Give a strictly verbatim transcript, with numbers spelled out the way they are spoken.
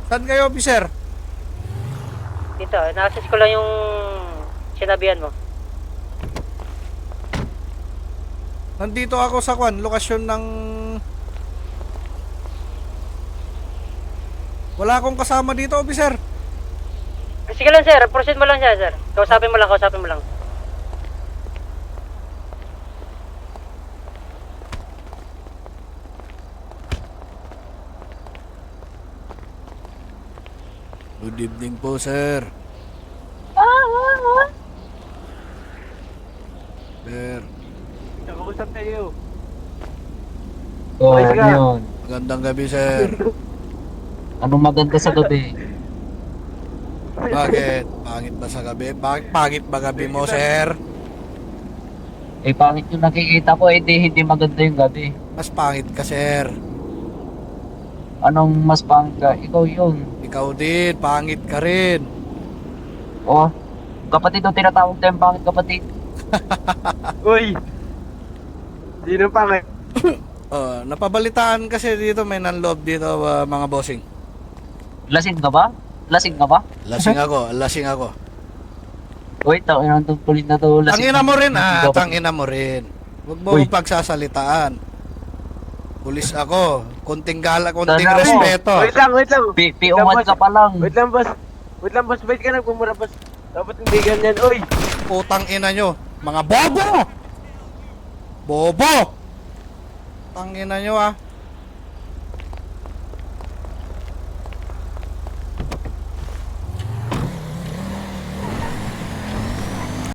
Saan kayo, officer? Dito, na-access ko lang yung sinabihan mo. Nandito ako sa kwan, lokasyon ng... Wala akong kasama dito, officer. Sige lang sir, proceed mo lang siya sir. Kausapin mo lang, kausapin mo lang. Good evening po, sir. Sir, Nakakusap tayo. Oh, Ayos ano ka. yun? magandang gabi, sir. Anong maganda sa gabi? Bakit? Pangit ba sa gabi? Bakit pangit ba gabi mo, sir? Eh, pangit yung nakikita ko, eh, di, hindi maganda yung gabi. Mas pangit ka, sir. Anong mas pangit ka? Ikaw yun. Ikaw din, pangit ka rin. Oh, kapatid yung tinatawag tayong pangit kapatid. Uy! Sino pa may? Oh, napabalitaan kasi dito may nanloob dito, uh, mga bossing. Lasing ka ba? Lasing ka ba? Lasing ako, lasing ako. Uy, tangin ang tungkulin na to. Lasing Tangina mo rin, ah. Kapatid. Tangina mo rin. Huwag mo Uy. akong pagsasalitaan. Pulis ako. Kunting gala, kunting Tanda mo. respeto. Wait lang, wait lang. Pi- Piungan ka pa lang. Wait lang, boss. Wait lang, boss. Wait ka na, pumura, boss. Dapat hindi ganyan. Uy! Putang ina nyo. Mga bobo! Bobo! Tangina nyo, ah.